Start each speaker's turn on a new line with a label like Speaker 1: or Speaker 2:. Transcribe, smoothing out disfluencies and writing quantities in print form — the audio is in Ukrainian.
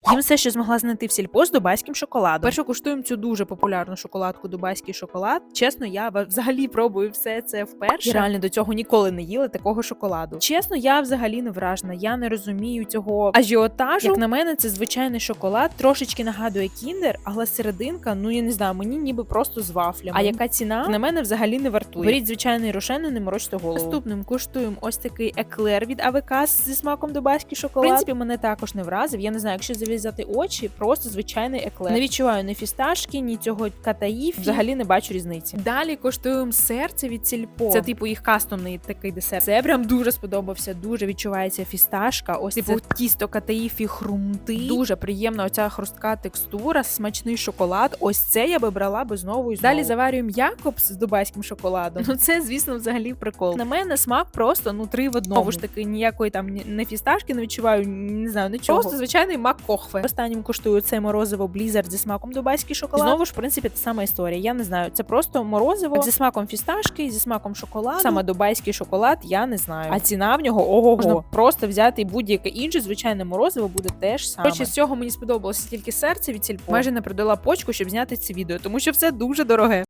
Speaker 1: Їм все, що змогла знайти в сільпо з дубайським шоколадом. Перше куштуємо цю дуже популярну шоколадку дубайський шоколад. Чесно, я взагалі пробую все це вперше. Я реально до цього ніколи не їла такого шоколаду. Чесно, я взагалі не вражена. Я не розумію цього ажіотажу. Як на мене, це звичайний шоколад, трошечки нагадує кіндер, але серединка, ну я не знаю, мені ніби просто з вафлями. А яка ціна? На мене взагалі не вартує. Беріть звичайний рошен і не морочте голову. Наступним куштуємо ось такий еклер від АВК зі смаком дубайський шоколад. В принципі, мене також не вразив. Я не знаю, якщо зав'язати очі, просто звичайний еклер. Не відчуваю ні фісташки, ні цього катаїфі. Взагалі не бачу різниці. Далі коштуємо серце від сільпо. Це типу їх кастомний такий десерт. Це прям дуже сподобався. Дуже відчувається фісташка. Ось типу тісто катаїфі хрумти. Дуже приємна оця хрустка текстура, смачний шоколад. Ось це я би брала би знову і знову. Далі заварюємо Якобс з дубайським шоколадом. Ну це, звісно, взагалі прикол. На мене смак просто 3 в 1. Знову ж таки, ніякої там не фісташки не відчуваю, не знаю, нічого. Просто звичайний мак кохве. Останнім коштую це морозиво Blizzard зі смаком дубайський шоколад. Знову ж, в принципі, та сама історія. Я не знаю, це просто морозиво зі смаком фісташки, зі смаком шоколаду. Саме дубайський шоколад, я не знаю. А ціна в нього ого-го. Можна просто взяти будь-яке інше звичайне морозиво буде теж саме. Хоч з цього мені сподобалося тільки серце від сільпо. Майже не продала почку, щоб зняти це відео, тому що все дуже дороге.